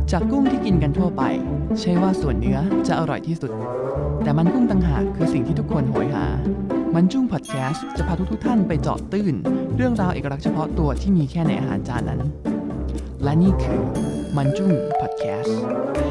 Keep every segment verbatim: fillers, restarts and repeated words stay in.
จากกุ้งที่กินกันทั่วไปใช่ว่าส่วนเนื้อจะอร่อยที่สุดแต่มันกุ้งต่างหากคือสิ่งที่ทุกคนโหยหามันจุ้งพอดแคสต์จะพาทุกๆท่านไปเจาะตื้นเรื่องราวเอกลักษณ์เฉพาะตัวที่มีแค่ในอาหารจานนั้นและนี่คือมันจุ้งพอดแคสต์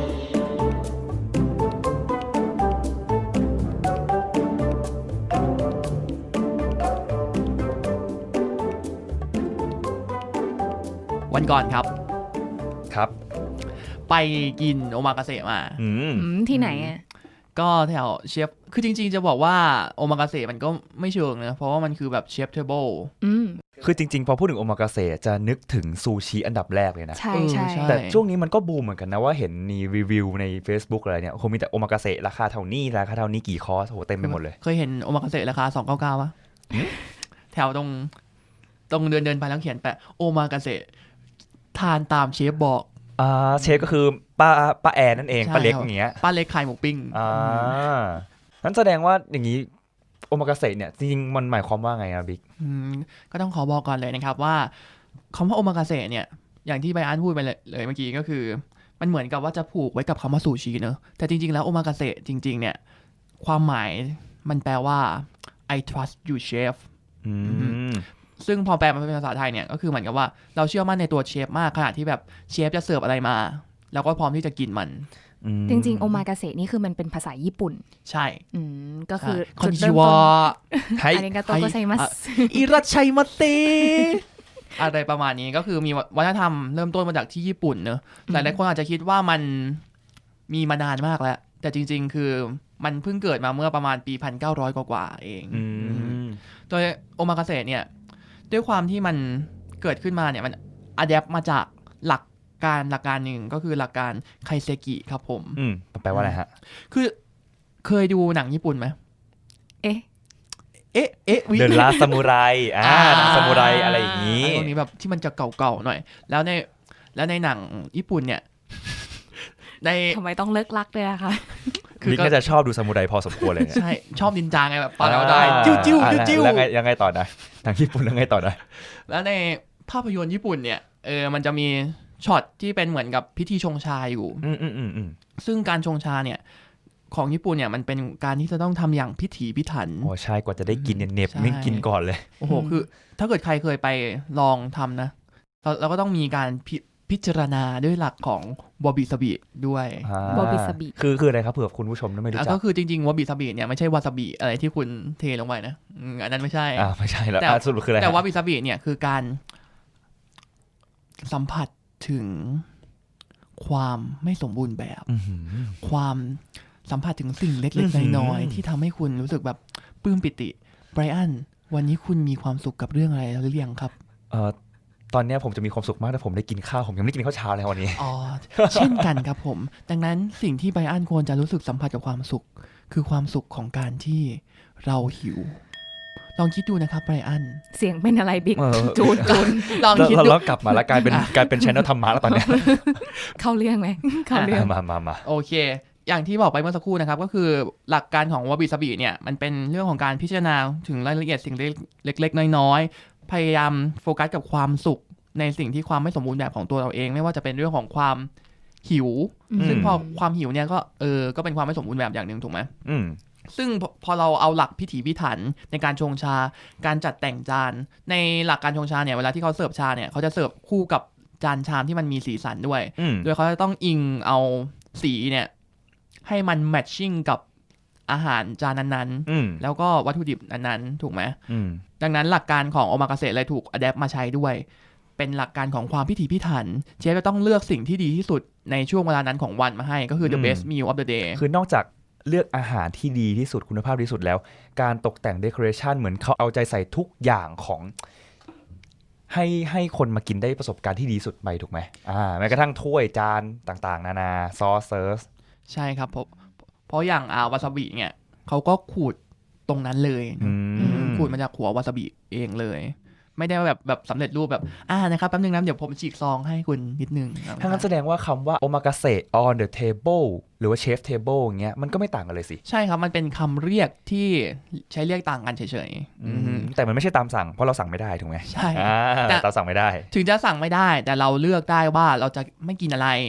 วันก่อนครับครับไปกินโอมากาเสะมาอืมที่ไหนอ่ะก็แถวเชฟคือจริงๆจะบอกว่าโอมากาเสะมันก็ไม่เชิงนะเพราะว่ามันคือแบบเชฟเทเบิลคือจริงๆพอพูดถึงโอมากาเสะจะนึกถึงซูชิอันดับแรกเลยนะใช่ใช่แต่ช่วงนี้มันก็บูมเหมือนกันนะว่าเห็นมีรีวิวใน Facebook อะไรเนี่ยคงมีแต่โอมากาเสะราคาเท่านี้ราคาเท่านี้กี่คอร์สโหเต็มไปหมดเลยเคยเห็นโอมากาเสะราคาสองร้อยเก้าสิบเก้าป่ะแถวตรงตรงเดินเดินไปแล้วเขียนแปะโอมากาเสะทานตามเชฟบอกอ่าเชฟก็คือป้าป้าแอนนั่นเองป้าเล็กอย่างเงี้ยป้าเล็กขายหมูปิ้งอ่านั้นแสดงว่าอย่างนี้โอมากาเสะเนี่ยจริงๆมันหมายความว่าไงอะบิ๊กก็ต้องขอบอกก่อนเลยนะครับว่าคำว่าโอมากาเสะเนี่ยอย่างที่ไบอันพูดไปเลยเมื่อกี้ก็คือมันเหมือนกับว่าจะผูกไว้กับคำว่าซูชิเนอะแต่จริงๆแล้วโอมากาเสะจริงๆเนี่ยความหมายมันแปลว่า I trust you chef ซึ่งพอแปลมาเป็นภาษาไทยเนี่ยก็คือเหมือนกับว่าเราเชื่อมั่นในตัวเชฟมากขนาดที่แบบเชฟจะเสิร์ฟอะไรมาเราก็พร้อมที่จะกินมันจริงๆโอมากาเสะนี่คือมันเป็นภาษาญี่ปุ่นใช่ก็คือคอนจิวะอาริกาโตโกไซมัสอิราชัยมาเตอะไรประมาณนี้ก็คือมีวัฒนธรรมเริ่มต้นมาจากที่ญี่ปุ่นเนอะหลายๆคนอาจจะคิดว่ามันมีมานานมากแล้วแต่จริงๆคือมันเพิ่งเกิดมาเมื่อประมาณปีหนึ่งพันเก้าร้อยกว่าๆเองโดยโอมากาเสะเนี่ยด้วยความที่มันเกิดขึ้นมาเนี่ยมันอะแดปมาจากหลักการหลักการหนึ่งก็คือหลักการไคเซกิครับผมอืมแปลว่าอะไรฮะคือเคยดูหนังญี่ปุ่นไหมเอ๊ะเอ๊ะเอ๊ะเดินลาซามูไรอ่าหนังซามูไรอะไรอย่างนี้ตรงนี้แบบที่มันจะเก่าๆหน่อยแล้วในแล้วในหนังญี่ปุ่นเนี่ยในทำไมต้องเลิกลักเลยอะคะคือก็จะชอบดูซามูไรพอสมควรเลยใช่ชอบนินจาไงแบบปาแล้วได้จิ้วจิ้วจิ้วแล้วไงยังไงต่อนะหนังญี่ปุ่นแล้วไงต่อนะแล้วในภาพยนตร์ญี่ปุ่นเนี่ยเออมันจะมีช็อตที่เป็นเหมือนกับพิธีชงชาอยู่อืมอืมอืมอืมซึ่งการชงชาเนี่ยของญี่ปุ่นเนี่ยมันเป็นการที่จะต้องทำอย่างพิถีพิถันโอ้ใช่กว่าจะได้กินเนี่ยเน็บไม่กินก่อนเลยโอ้โหคือถ้าเกิดใครเคยไปลองทำนะเราเราก็ต้องมีการพิจารณาด้วยหลักของวาบิซาบิด้วยวาบิซาบิคือคืออะไรครับเผื่อคุณผู้ชมไม่รู้จักก็คือจริงๆวาบิซาบิเนี่ยไม่ใช่วาซาบิอะไรที่คุณเทลงไปนะอันนั้นไม่ใช่อ่าไม่ใช่แล้วสรุปคืออะไรแต่วาบิซาบิเนี่ยคือการสัมผัสถึงความไม่สมบูรณ์แบบความสัมผัสถึงสิ่งเล็กๆน้อยๆที่ทำให้คุณรู้สึกแบบปลื้มปิติไบรอันวันนี้คุณมีความสุขกับเรื่องอะไรหรือยังครับเอ่อตอนนี้ผมจะมีความสุขมากแต่ผมได้กินข้าวผมยังไม่ได้กินข้าวเช้าเลยวันนี้อ๋อเช่นกันครับผมดังนั้นสิ่งที่ไบรอันควรจะรู้สึกสัมผัสกับความสุขคือความสุขของการที่เราหิวลองคิดดูนะครับไบรอันเสียงเป็นอะไรบิ๊กจูนจูนลองคิดดูแล้วกลับมาแล้วกลายเป็นกลายเป็น channel ธรรมะแล้วตอนนี้เข้าเรื่องไหมเข้าเรื่องมามามาโอเคอย่างที่บอกไปเมื่อสักครู่นะครับก็คือหลักการของวาบิซาบิเนี่ยมันเป็นเรื่องของการพิจารณาถึงรายละเอียดสิ่งเล็กๆน้อยๆพยายามโฟกัสกับความสุขในสิ่งที่ความไม่สมบูรณ์แบบของตัวเราเองไม่ว่าจะเป็นเรื่องของความหิวซึ่งพอความหิวเนี่ยก็เออก็เป็นความไม่สมบูรณ์แบบอย่างนึงถูกไหมซึ่งพอเราเอาหลักพิถีพิถันในการชงชาการจัดแต่งจานในหลักการชงชาเนี่ยเวลาที่เขาเสิร์ฟชาเนี่ยเขาจะเสิร์ฟคู่กับจานชามที่มันมีสีสันด้วยโดยเขาจะต้องอิงเอาสีเนี่ยให้มันแมทชิ่งกับอาหารจานนั้นๆแล้วก็วัตถุดิบนั้นๆถูกไหมดังนั้นหลักการของโอมากาเสะเลยถูกอะแดปมาใช้ด้วยเป็นหลักการของความพิถีพิถันเชฟจะต้องเลือกสิ่งที่ดีที่สุดในช่วงเวลานั้นของวันมาให้ก็คือ the best meal of the day คือนอกจากเลือกอาหารที่ดีที่สุดคุณภาพที่สุดแล้วการตกแต่ง decoration เหมือนเขาเอาใจใส่ทุกอย่างของให้ให้คนมากินได้ประสบการณ์ที่ดีสุดไปถูกไหมอ่าแม้กระทั่งถ้วยจานต่างๆนานาซอสเซิร์ฟใช่ครับเพราะเพราะอย่างอาวาซาบิเนี่ยเขาก็ขูดตรงนั้นเลยขูดมาจากหัววาซาบิเองเลยไม่ได้แบบแบบสำเร็จรูปแบบอ่านะครับแป๊บนึงนะเดี๋ยวผมฉีกซองให้คุณนิดนึงถ้างั้นแสดงว่าคำว่าโอมากาเสะ on the table หรือว่า chef table อย่างเงี้ยมันก็ไม่ต่างกันเลยสิใช่ครับมันเป็นคำเรียกที่ใช้เรียกต่างกันเฉยๆแต่มันไม่ใช่ตามสั่งเพราะเราสั่งไม่ได้ถูกไหมใช่แต่เราสั่งไม่ได้ถึงจะสั่งไม่ได้แต่เราเลือกได้ว่าเราจะไม่กินอะไร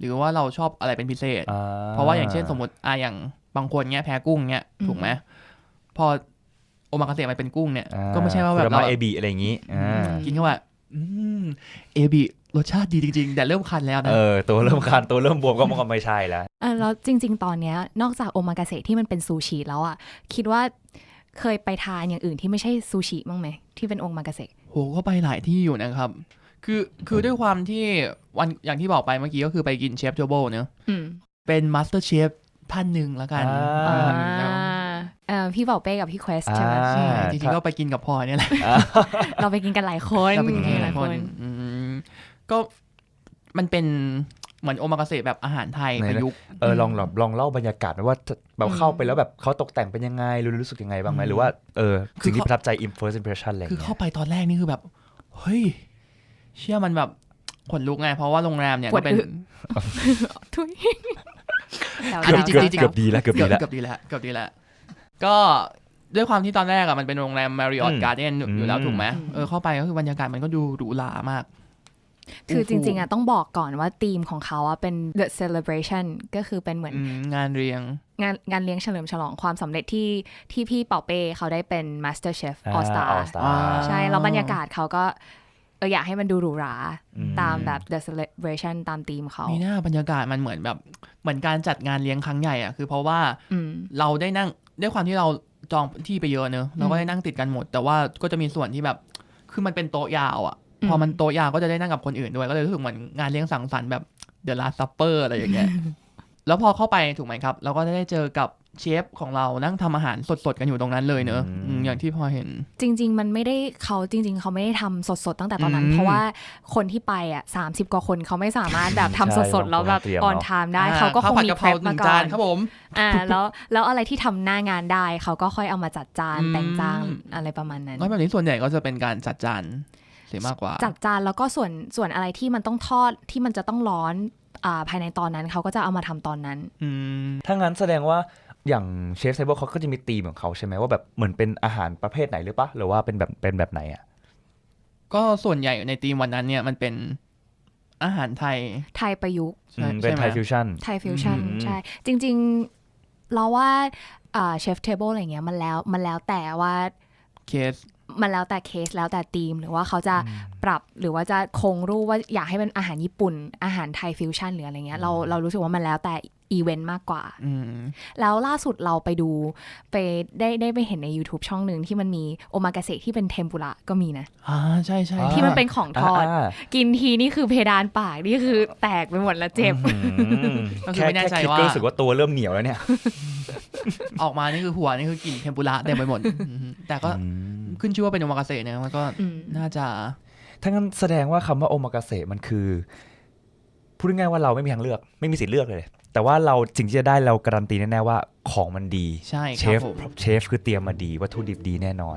หรือว่าเราชอบอะไรเป็นพิเศษอ่เพราะว่าอย่างเช่นสมมติอ่ะอย่างบางคนเนี้ยแพ้กุ้งเนี้ยถูกไหมพอโอมากาเสะมันเป็นกุ้งเนี่ยอ่าก็ไม่ใช่ว่าแบบคุเราระมะเอบิอะไรอย่างงี้อ่ากินเข้าไปอืมเอบิรสชาติดีจริงๆ แต่เริ่มคันแล้วนะเออตัวเริ่มคันตัวเริ่มบวมก็มันก็ไม่ใช่แล้วเออแล้วจริง ๆ ตอนเนี้ยนอกจากโอมากาเสะที่มันเป็นซูชิแล้วอ่ะคิดว่าเคยไปทานอย่างอื่นที่ไม่ใช่ซูชิบ้างไหมที่เป็นโอมากาเสะโหก็ไปหลายที่อยู่นะครับ คือคือด้วยความที่วันอย่างที่บอกไปเมื่อกี้ก็คือไปกินเชฟโจโบเนอะอืมเป็นมาสเตอร์เชฟท่านหนึ่งแล้วกันอ่าอืมแล้วเอ่อพี่บอกเป้กับพี่เควสใช่ไหมอ่าใช่จริงๆก็ไปกินกับพลอยเนี่ยแหละเราไปกินกันหลายคนเราไปกินกันหลายคนอืมก็มันเป็นเหมือนโอมากาเสะแบบอาหารไทยประยุกต์เออลองลองลองเล่าบรรยากาศหน่อยว่าแบบเข้าไปแล้วแบบเขาตกแต่งเป็นยังไงรู้รู้สึกยังไงบ้างไหมหรือว่าเออสิ่งที่ประทับใจ first impression อะไรอย่างคือเงี้เข้าย ไปตอนแรกนี่คือแบบเฮ้ยเชื่อมันแบบขนลุกไงเพราะว่าโรงแรมเนี่ยก็เป็นทุยแล้วอันนี้เกือบจริงๆเกือบดีแล้วเกือบดีแล้วเกือบดีแล้วเกือบดีแล้วก็ด้วยความที่ตอนแรกอะมันเป็นโรงแรม Marriott อืม Garden อืมอยู่แล้วถูกไหมเออเข้าไปก็คือบรรยากาศมันก็ดูหรูหรามากคือจริงๆอ่ะต้องบอกก่อนว่าธีมของเขาอ่ะเป็น the celebration ก็คือเป็นเหมือนอืมงานเรียงงานงานเลี้ยงเฉลิมฉลองความสำเร็จที่ที่พี่เป่าเป้เขาได้เป็น Master Chef อ่า All Star All Star อ่าใช่แล้วบรรยากาศเขาก็เอออยากให้มันดูหรูหราอืมตามแบบ the celebration ตามธีมเขามีหน้าบรรยากาศมันเหมือนแบบเหมือนการจัดงานเลี้ยงครั้งใหญ่อะคือเพราะว่าอืมเราได้นั่งด้วยความที่เราจองที่ไปเยอะเนอะเราก็ได้นั่งติดกันหมด แต่ว่าก็จะมีส่วนที่แบบคือมันเป็นโต๊ะยาวอะอืมพอมันโต๊ะยาวก็จะได้นั่งกับคนอื่นด้วยก็เลยรู้สึกเหมือนงานเลี้ยงสังสรรค์แบบ The Last Supper อะไรอย่างเงี้ย แล้วพอเข้าไปถูกไหมครับเราก็ได้เจอกับเชฟของเรานั่งทำอาหารสดๆกันอยู่ตรงนั้นเลยเนอะอืมอืมอย่างที่พอเห็นจริง ๆ มันไม่ได้เขาจริง ๆ เขาไม่ได้ทำสดๆตั้งแต่ตอนนั้นอืมเพราะว่าคนที่ไปอ่ะสามสิบกว่าคนเขาไม่สามารถแบบทำใช่สดๆแล้วแบบต้องเตรียมออนเนอะไทม์ได้อ่เขาก็คงข้วผัดมีกะเพเพราลหมานึ่งก่จาอน นครับผมอ่าแล้วแล้วอะไรที่ทำหน้างานได้เขาก็ค่อยเอามาจัดจานอืมแต่งจานอะไรประมาณนั้นก็แบบนี้ส่วนใหญ่ก็จะเป็นการจัดจานเสียมากกว่าจัดจานแล้วก็ส่วนส่วนอะไรที่มันต้องทอดที่มันจะต้องร้อนอ่าภายในตอนนั้นเขาก็จะเอามาทำตอนนั้นอืมถ้างั้นแสดงว่าอย่างเชฟเทเบิลเขาก็จะมีธีมของเขาใช่ไหมว่าแบบเหมือนเป็นอาหารประเภทไหนหรือปะหรือว่าเป็นแบบเป็นแบบไหนอ่ะก็ส่วนใหญ่ในทีมวันนั้นเนี่ยมันเป็นอาหารไทยไทยประยุกต์ใช่อืมเป็นใช่ไหมไทยฟิวชั่นไทยฟิวชั่นอืมใช่ จริงๆ เราว่าเชฟเทเบิลอะไรเงี้ยมันแล้วมันแล้วแต่ว่าเคสมันแล้วแต่เคสแล้วแต่ธีมหรือว่าเขาจะปรับหรือว่าจะคงรูปว่าอยากให้เป็นอาหารญี่ปุ่น อาหารไทยฟิวชั่นหรืออะไรเงี้ยเราเรารู้สึกว่ามันแล้วแต่อีเวนต์มากกว่าอืมแล้วล่าสุดเราไปดูไปได้ได้ไปเห็นใน YouTube ช่องหนึ่งที่มันมีโอมากาเสะที่เป็นเทมปุระก็มีนะอ่าใช่ใช่อ่าที่มันเป็นของทอดอ่ากินทีนี่คือเพดานปากนี่คือแตกไปหมดแล้วเจ็บอืมก็คือแค่ไม่แน่ใจแค่คิดว่าก็รู้สึกว่าตัวเริ่มเหนียวแล้วเนี่ยออกมานี่คือหัวนี่คือกลิ่นเทมปุระเต็มไปหมดอืมแต่ก็ขึ้นชื่อว่าเป็นโอมากาเสะเนี่ยมันก็อืมน่าจะถ้างั้นแสดงว่าคำว่าโอมากาเสะมันคือพูดง่ายๆว่าเราไม่มีทางเลือก ไม่มีสิทธิ์เลือกเลย แต่ว่าเราสิ่งที่จะได้เราการันตีแน่ๆว่าของมันดีใช่เชครับฟผมเชฟคือเตรียมมาดีวัตถุดิบดีแน่นอน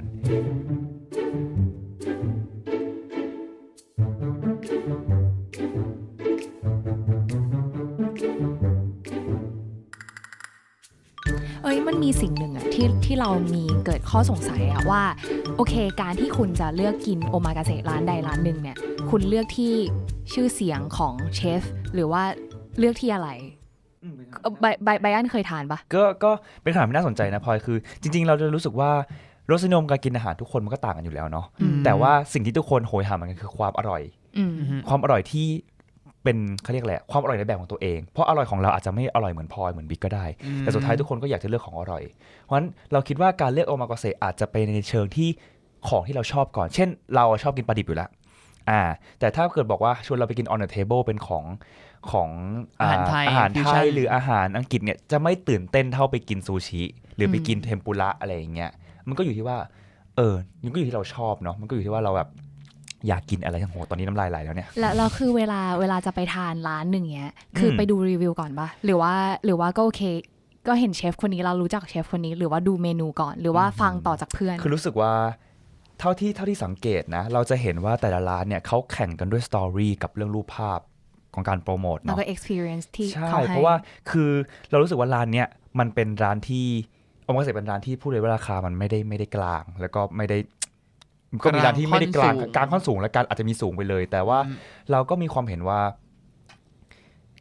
เอ้ยมันมีสิ่งหนึ่งอะที่ที่เรามีเกิดข้อสงสัยอะว่าโอเคการที่คุณจะเลือกกินโอมากาเสะร้านใดร้านหนึ่งเนี่ยคุณเลือกที่ชื่อเสียงของเชฟหรือว่าเลือกที่อะไรเอ่อไบไบไบอันเคยทานปะก็ก็เป็นคำถามที่น่าสนใจนะพลอยคือ จริง ๆ เราจะรู้สึกว่ารสนิยมการกินอาหารทุกคนมันก็ต่างกันอยู่แล้วเนาะอืมแต่ว่าสิ่งที่ทุกคนโหยหามันคือความอร่อยอืมอืมความอร่อยที่เป็นเขาเรียกอะไรอะความอร่อยในแบบของตัวเองเพราะอร่อยของเราอาจจะไม่อร่อยเหมือนพลอยเหมือนบิ๊กก็ได้ แต่สุดท้ายทุกคนก็อยากจะเลือกของอร่อย เพราะฉะนั้นเราคิดว่าการเลือกโอมากาเสะอาจจะไปในเชิงที่ของที่เราชอบก่อน เช่น เราชอบกินปลาดิบอยู่แล้วอ่าแต่ถ้าเกิดบอกว่าชวนเราไปกิน on the table เป็นของของาอาหารไทยอาหารฟิวไทชั่นยหรืออาหารอังกฤษเนี่ยจะไม่ตื่นเต้นเท่าไปกินซูชิหรือไปกินเทมปุระอะไรอย่างเงี้ยมันก็อยู่ที่ว่าเออมันก็อยู่ที่เราชอบเนาะมันก็อยู่ที่ว่าเราแบบอยากกินอะไรทั้งโหตอนนี้น้ำลายไหลแล้วเนี่ยแล้วแล้วคือเวลาเวลาจะไปทานร้านหนึ่งเนี้ยคืออมไปดูรีวิวก่อนปะหรือว่าหรือว่าก็โอเค ก็เห็นเชฟคนนี้เรารู้จักเชฟคนนี้หรือว่าดูเมนูก่อน หรือว่าฟังต่อจากเพื่อนคือรู้สึกว่าเท่าที่เท่าที่สังเกตนะเราจะเห็นว่าแต่ละร้านเนี่ยเขาแข่งกันด้วยสตอรี่กับเรื่องรูปภาพของการโปรโมทแล้วเนาะก็ experience ที่ใช่เขาให้เพราะว่าคือเรารู้สึกว่าร้านเนี้ยมันเป็นร้านที่โอมากาเสะเป็นร้านที่พูดเลยว่าราคามันไม่ได้ไม่ได้กลาง แล้วก็ไม่ได้ก็มีร้านที่ไม่ได้กลางค่อนสูงกลางค่อนสูงและการอาจจะมีสูงไปเลย แต่ว่าอืมเราก็มีความเห็นว่า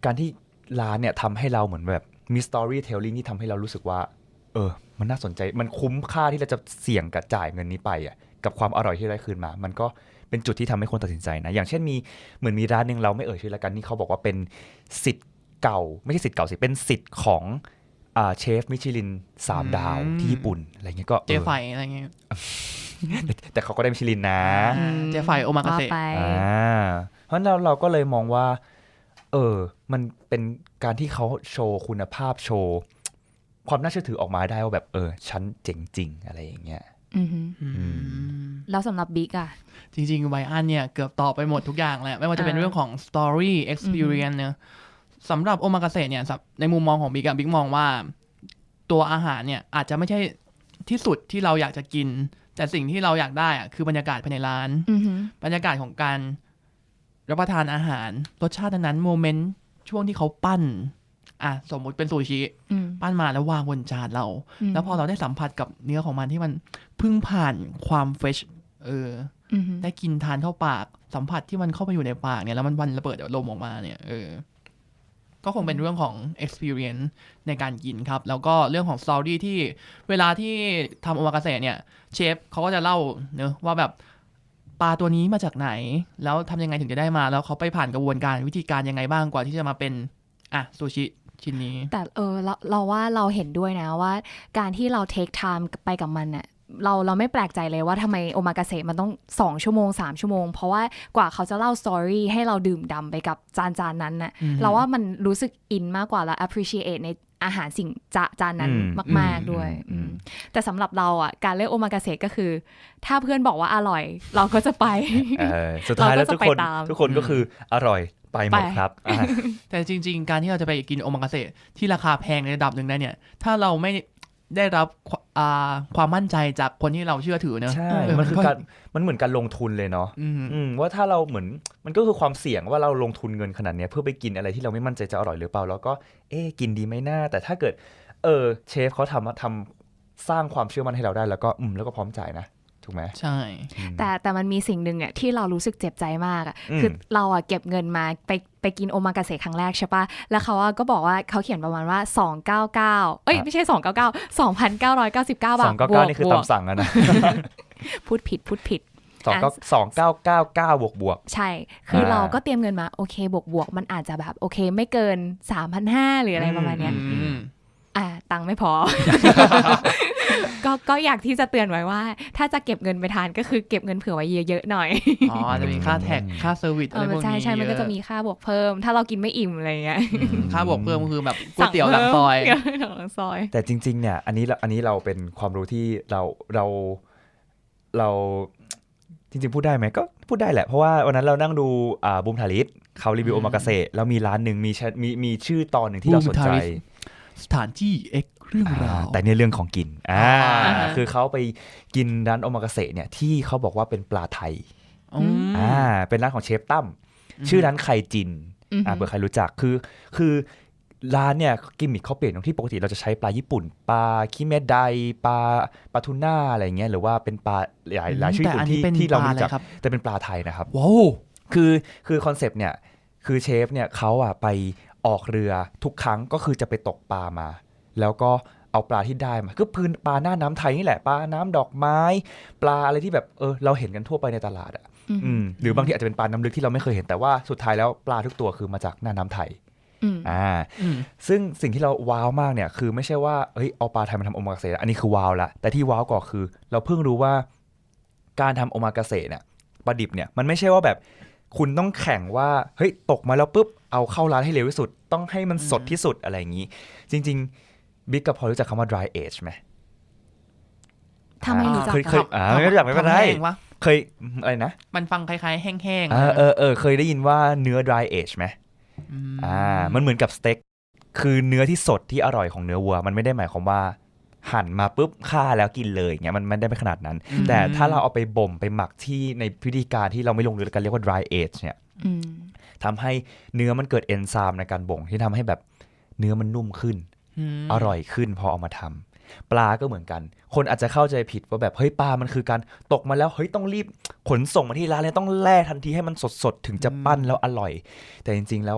การที่ร้านเนี่ยทำให้เราเหมือนแบบมี storytelling ที่ทำให้เรารู้สึกว่าเออมันน่าสนใจมันคุ้มค่าที่เราจะเสี่ยงกับจ่ายเงินนี้ไปอ่ะกับความอร่อยที่ได้คืนมามันก็เป็นจุดที่ทำให้คนตัดสินใจนะอย่างเช่นมีเหมือนมีร้านนึงเราไม่เอ่ยชื่อละกันนี่เขาบอกว่าเป็นศิษย์เก่าไม่ใช่ศิษย์เก่าสิเป็นศิษย์ของอ่าเชฟมิชลินสามดาวที่ญี่ปุ่นอะไรเงี้ยก็เจไฝอะไรเงี้ยแต่เขาก็ได้มิชลินนะอ่าเจไฝโอมากาเสะว่ไปอ่าเพราะฉะนั้นเราเราก็เลยมองว่าเออมันเป็นการที่เขาโชว์คุณภาพโชว์ความน่าเชื่อถือออกมาได้ว่าแบบเออฉันเจ๋งจริงอะไรอย่างเงี้ยอือฮึอืมแล้วสำหรับบิ๊กอะจริงๆไบอันเนี่ยเกือบตอบไปหมดทุกอย่างแหละไม่ว่าจะเป็นอ่าเรื่องของ story experience เนอะสำหรับโอมากาเสะเนี่ยในมุมมองของบิ๊กอะบิ๊กมองว่าตัวอาหารเนี่ยอาจจะไม่ใช่ที่สุดที่เราอยากจะกิน แต่สิ่งที่เราอยากได้อะคือบรรยากาศภายในร้านอือฮึบรรยากาศของการรับประทานอาหารรสชาตินั้นโมเมนต์ช่วงที่เขาปั้นอ่ะสมมุติเป็นซูชิอืมปั้นมาแล้ววางบนจานเราอืมแล้วพอเราได้สัมผัสกับเนื้อของมันที่มันเพิ่งผ่านความเฟรชเอออือฮึได้กินทานเข้าปากสัมผัสที่มันเข้าไปอยู่ในปากเนี่ยแล้วมันวันระเบิดลมออกมาเนี่ยเออก็คงเป็นเรื่องของ experience ในการกินครับ แล้วก็เรื่องของ story ที่เวลาที่ทำโอมากาเสะเนี่ยเชฟเขาก็จะเล่าเนอะว่าแบบปลาตัวนี้มาจากไหน แล้วทำยังไงถึงจะได้มา แล้วเขาไปผ่านกระบวนการวิธีการยังไงบ้างกว่าที่จะมาเป็นอ่ะซูชิชิ้นนี้แต่เออเราเราว่าเราเห็นด้วยนะว่าการที่เรา take time ไปกับมันน่ะเราเราไม่แปลกใจเลยว่าทำไมโอมากาเสะมันต้องสองชั่วโมงสามชั่วโมง เพราะว่ากว่าเขาจะเล่าสตอรี่ให้เราดื่มด่ำไปกับจานจานนั้นน่ะอืมเราว่ามันรู้สึกอินมากกว่าแล้ว appreciate ในอาหารสิ่งจาจานนั้นอืมมาก ๆด้วยอืมอืมแต่สำหรับเราอ่ะการเลือกโอมากาเสะก็คือ ถ้าเพื่อนบอกว่าอร่อย เราก็จะไปเออสุดท้ายแล้วเราก็ทุจะกคนไปตามทุกคนก็คืออร่อยไปหมดไปครับอ่ะแต่จริง ๆ การที่เราจะไปกินโอมากาเสะที่ราคาแพงในระดับหนึ่งได้เนี่ย ถ้าเราไม่ได้รับควอ่าความมั่นใจจากคนที่เราเชื่อถือเนอะใช่เออมันคือก็การมันเหมือนการลงทุนเลยเนาะอืมอืมว่าถ้าเราเหมือนมันก็คือความเสี่ยงว่าเราลงทุนเงินขนาดเนี้ยเพื่อไปกินอะไรที่เราไม่มั่นใจจะอร่อยหรือเปล่าแล้วก็เอ๊ะกินดีไหมน่าแต่ถ้าเกิดเออเชฟเขาทำทำสร้างความเชื่อมั่นให้เราได้แล้วก็อืมแล้วก็พร้อมจ่ายนะถูกไหมใช่แต่แต่มันมีสิ่งหนึ่งอ่ะที่เรารู้สึกเจ็บใจมากอ่ะอืมคือเราอ่ะเก็บเงินมาไปไปกินโอมากาเสะครั้งแรกใช่ปะแล้วเขาอ่ะก็บอกว่าเขาเขียนประมาณว่าสองร้อยเก้าสิบเก้าเอ้ยไม่ใช่สองร้อยเก้าสิบเก้า สองพันเก้าร้อยเก้าสิบเก้า บาสทองเก้าเก้านี่คือบวกตามสั่งอะนะพูดผิดพูดผิดสองเก้าสองเก้าเก้าเก้าบวกบวกใช่ คืออา เราก็เตรียมเงินมาโอเคบวกบวกมันอาจจะแบบโอเคไม่เกิน สามพันห้าร้อย หรืออะไรประมาณเนี้ยอืมอ่าตังค์ไม่พอ ก็ก็อยากที่จะเตือนไว้ว่า ถ้าจะเก็บเงินไปทานก็คือเก็บเงินเผื่อไว้เยอะๆหน่อยอ๋ออาจจะมีค่าแท็กค่าเซอร์วิสเออะไรอพวกนี้ใช่ใช่มันก็จะมีเยอค่าบวกเพิ่ม ถ้าเรากินไม่อิ่มอะไรเงี้ยอืมค่าบวกเพิ่มก็คือแบบก๋วยเตี๋ยวหลังซอยสั่งเพิ่มหลังซอยแต่จริงๆเนี่ยอันนี้เราอันนี้เราเป็นความรู้ที่เราเราเราจริงๆพูดได้ไหมก็พูดได้แหละเพราะว่าวันนั้นเรานั่งดูอ่าบูมทาริสเขารีวิวอืโอมมากาเสะแล้วมีร้านหนึ่งมีแชมีมีชื่อตอนหนึ่งที่เราสนใจ Boom Tharis สถานที่เอ็กเรื่องราวแต่เนี่ยเรื่องของกินอ่าอ่าคือเขาไปกินร้านโอมากาเสะเนี่ยที่เขาบอกว่าเป็นปลาไทยอืมอ่าเป็นร้านของเชฟตั้มอืมชื่อร้านไข่จินอือหือ่าอเผื่อใครรู้จักคือคือร้านเนี่ยกิมมิคเขาเปลี่ยนตรงที่ปกติเราจะใช้ปลาญี่ปุ่น ปลาคิเมะไดปลาปลาทูน่าอะไรเงี้ยหรือว่าเป็นปลาหลายหลายชื่อแต่ญี่อัปุ่นนนี้ที่เป็นที่เราปลาไม่อะไรรู้จักครับแต่เป็นปลาไทยนะครับว้าวคือคือคอนเซปต์เนี่ยคือเชฟเนี่ยเขาอ่ะไปออกเรือทุกครั้งก็คือจะไปตกปลามา แล้วก็เอาปลาที่ได้มาก็พื้นปลาหน้าน้ำไทยนี่แหละปลาน้ำดอกไม้ ปลาอะไรที่แบบเออเราเห็นกันทั่วไปในตลาดอ่ะอืมอืมหรือบางทีอาจจะเป็นปลาน้ำลึกที่เราไม่เคยเห็นแต่ว่าสุดท้ายแล้วปลาทุกตัวคือมาจากหน้าน้ำไทยอืมอ่าอืมซึ่งสิ่งที่เราว้าวมากเนี่ยคือไม่ใช่ว่าเฮ้ยเอาปลาไทยมาทำโอมากาเสะอันนี้คือว้าวละแต่ที่ว้าวกว่าคือ เราเพิ่งรู้ว่าการทำโอมากาเสะเนี่ยปลาดิบเนี่ยมันไม่ใช่ว่าแบบคุณต้องแข่งว่าเฮ้ยตกมาแล้วปุ๊บเอาเข้าร้านให้เร็วที่สุด ต้องให้มันสดที่สุดอะไรอย่างนี้ จริงๆบิ๊กกับพอรู้จักคำว่า dry age ไหมถ้าไม่รู้จักเคยเคยอ่าไม่รู้จักไม่เป็นไรทำแห้งวะเคยอะไรนะมันฟังคล้ายๆ แห้งๆเออเออเออเคยได้ยินว่าเนื้อ dry age ไหมมอ่ามันเหมือนกับสเต็กคือเนื้อที่สดที่อร่อยของเนื้อวัว มันไม่ได้หมายความว่าหั่นมาปุ๊บฆ่าแล้วกินเลยเงี้ยมันไม่ได้เป็นขนาดนั้นอืมแต่ถ้าเราเอาไปบ่มไปหมักที่ในพิธีการที่เราไม่ลงลึกกันเรียกว่า dry age เนี่ยอืมทำให้เนื้อมันเกิดเอนไซม์ในการบ่งที่ทำให้แบบเนื้อมันนุ่มขึ้นมอร่อยขึ้นพอเอามาทำปลาก็เหมือนกัน คนอาจจะเข้าใจผิดว่าแบบเฮ้ยปลามันคือการตกมาแล้วเฮ้ยต้องรีบขนส่งมาที่ร้านเลยต้องแล่ทันทีให้มันสดๆถึงจะปั้นแล้วอร่อย แต่จริงๆแล้วอ่ะ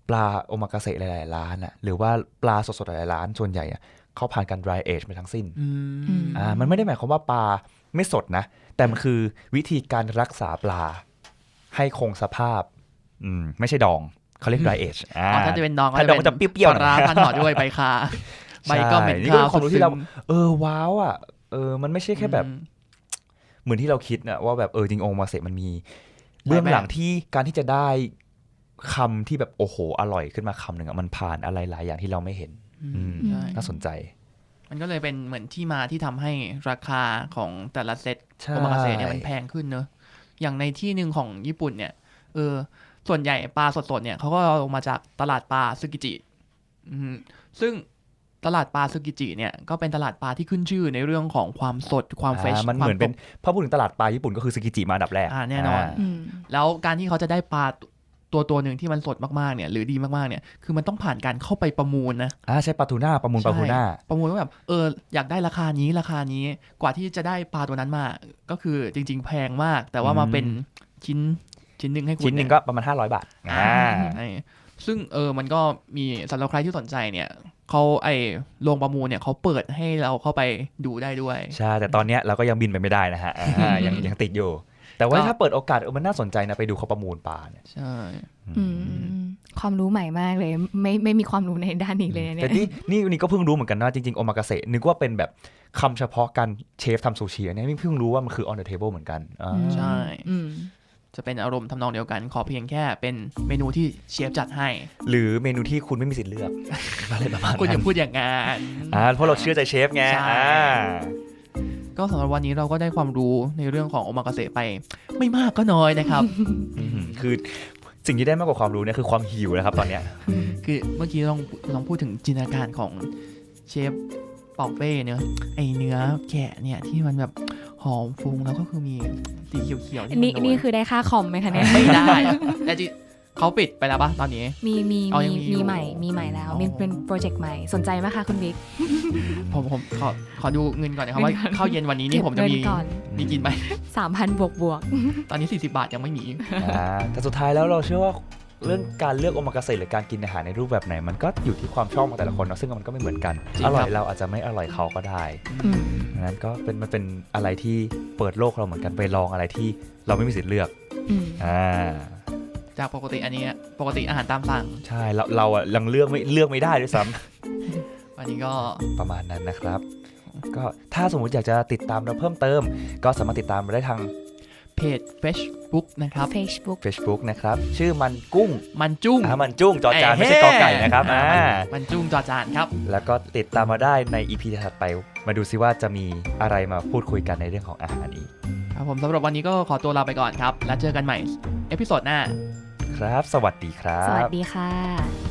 ปลาโอมากาเสะหลายๆร้านอ่ะหรือว่าปลาสดๆหลายๆร้านส่วนใหญ่อ่ะเขาผ่านการ dry age มาทั้งสิ้นอืมอ่ามันไม่ได้หมายความว่าปลาไม่สดนะ แต่มันคือวิธีการรักษาปลาให้คงสภาพอืมไม่ใช่ดองเขาเรียก dry age อ่าอ๋อถ้าจะเป็นดองก็ถ้าดองมันจะเปรี้ยวๆปลาร้าหน่อยพันห่อด้วยใบคาใบก็เหม็นใช่นี่คาก็เป็นความรู้ที่เราซึมเออว้าวอ่ะเออมันไม่ใช่แค่แบบอืมเหมือนที่เราคิดนะว่าแบบเออจริงโอมาเสะมันมีเบื้องหลังที่การที่จะได้คำที่แบบโอ้โหอร่อยขึ้นมาคำหนึ่งอ่ะมันผ่านอะไรหลายอย่างที่เราไม่เห็นอืมอืมใช่น่าสนใจมันก็เลยเป็นเหมือนที่มาที่ทำให้ราคาของแต่ละเซตใช่โอมากาเสะเนี่ยมันแพงขึ้นเนอะอย่างในที่หนึ่งของญี่ปุ่นเนี่ยเออส่วนใหญ่ปลาสดๆเนี่ยเขาก็เอามาจากตลาดปลาซึกิจิอืมซึ่งตลาดปลาซึกิจิเนี่ยก็เป็นตลาดปลาที่ขึ้นชื่อในเรื่องของความสดความเฟรชอ่ามันควาเหมือนเป็นสดพอพูดถึงตลาดปลาญี่ปุ่นก็คือซึกิจิมาอันดับแรกอ่าแน่นอนอืมแล้วการที่เขาจะได้ปลาตัวตัวหนึ่งที่มันสดมากๆเนี่ยหรือดีมากๆเนี่ยคือมันต้องผ่านการเข้าไปประมูลนะอ่าใช่ปลาทูน่าประมูลปลาทูน่าใช่ประมูลว่าแบบเอออยากได้ราคานี้ราคานี้กว่าที่จะได้ปลาตัวนั้นมา ก็คือจริง ๆ แพงมาก แต่ว่ามาเป็นชิ้นชิ้นหนึ่งให้คุณชิ้นหนึ่งก็ประมาณห้าร้อยบาทอ่าใช่ซึ่งเออมันก็มีสำหรับใครที่สนใจเนี่ยเขาไอ้โรงประมูลเนี่ยเขาเปิดให้เราเข้าไปดูได้ด้วยใช่แต่ตอนเนี้ยเราก็ยังบินไปไม่ได้นะฮะอ่ายังยังติดอยู่ แต่ว่าก็ถ้าเปิดโอกาสเออมันน่าสนใจนะไปดูเขาประมูลปลาเนี่ยใช่อืมความรู้ใหม่มากเลย ไม่ไม่มีความรู้ในด้านนี้เลยเนี่แต่ยนี่นี่นี่ก็เพิ่งรู้เหมือนกันนะจริงๆโอมากาเสะนึกว่าเป็นแบบคำเฉพาะการเชฟทำซูชิอันนี้นี่เพิ่งรู้ว่ามันคือ on the table เหมือนกันอ่าใช่อืมจะเป็นอารมณ์ทำนองเดียวกัน ขอเพียงแค่เป็นเมนูที่เชฟจัดให้หรือเมนูที่คุณไม่มีสิทธิ์เลือก อะไรประมาณคุณอนั้ย่าน พูดอย่างงั้นอ่าเพราะเราเชื่อใจเชฟไงใช่อ่าก็สำหรับวันนี้เราก็ได้ความรู้ในเรื่องของโอมากาเสะไป ไม่มากก็น้อยนะครับอืมคือสิ่งที่ได้มากกว่าความรู้เนี่ยคือความหิวนะครับตอนเนี้ยคือเมื่อกี้ลองลองพูดถึงจินตนาการของเชฟเป่าเป้เนื้อไอเนื้อแกะเนี่ยที่มันแบบหอมฟุ้งแล้วก็คือมีสีเขียวๆที่มันี่โรยนี่คือได้ค่าคอมไหมคะเนี่ยไม่ได้แต่จริงเขาปิดไปแล้วปะตอนนี้มีมีเอามียังมีอยู่มีใหม่มีใหม่แล้วอ๋อมีเป็นโปรเจกต์ใหม่สนใจไหมคะคุณบิ๊กผมผมขอขอดูเงินก่อนนะครับว่าข้าวเย็นวันนี้นี่ผมจะมีเก็บเงินก่อนมีกินไหมสามพันบวกบวกตอนนี้สี่สิบบาทยังไม่มีอ่าแต่สุดท้ายแล้วเราเชื่อว่าเรื่องการเลือกโอมากาเสะหรือการกินอาหารในรูปแบบไหน มันก็อยู่ที่ความชอบของแต่ละคนเนอะซึ่งมันก็ไม่เหมือนกันจริงอร่อครัยบเราอาจจะไม่อร่อยเขาก็ได้อืมดังนั้นก็เป็นมันเป็นอะไรที่เปิดโลกเราเหมือนกันไปลองอะไรที่เราไม่มีสิทธิ์เลือกอืมอ่าจากปกติอันนี้ปกติอาหารตามสั่งใช่เราเราอะยังเลือกไม่เลือกไม่ได้ด้วยซ้ำวันนี้ก็ประมาณนั้นนะครับ ก็ถ้าสมมุติอยากจะติดตามเราเพิ่มเติม ก็สามารถติดตามเราได้ทางเพจ Facebook นะครับ Facebook Facebook นะครับ ชื่อมันกุ้งมันจุ้งอ่ามันจุ้งจอจานไม่ใช่กอไก่นะครับอ่าอ่ามันจุ้งจอจานครับแล้วก็ติดตามมาได้ใน อี พี ถัดไป มาดูซิว่าจะมีอะไรมาพูดคุยกันในเรื่องของอาหารอีกครับผมสำหรับวันนี้ก็ขอตัวลาไปก่อนครับ แล้วเจอกันใหม่ เอพิโซดหน้าครับ สวัสดีครัสวับสดีค่ะ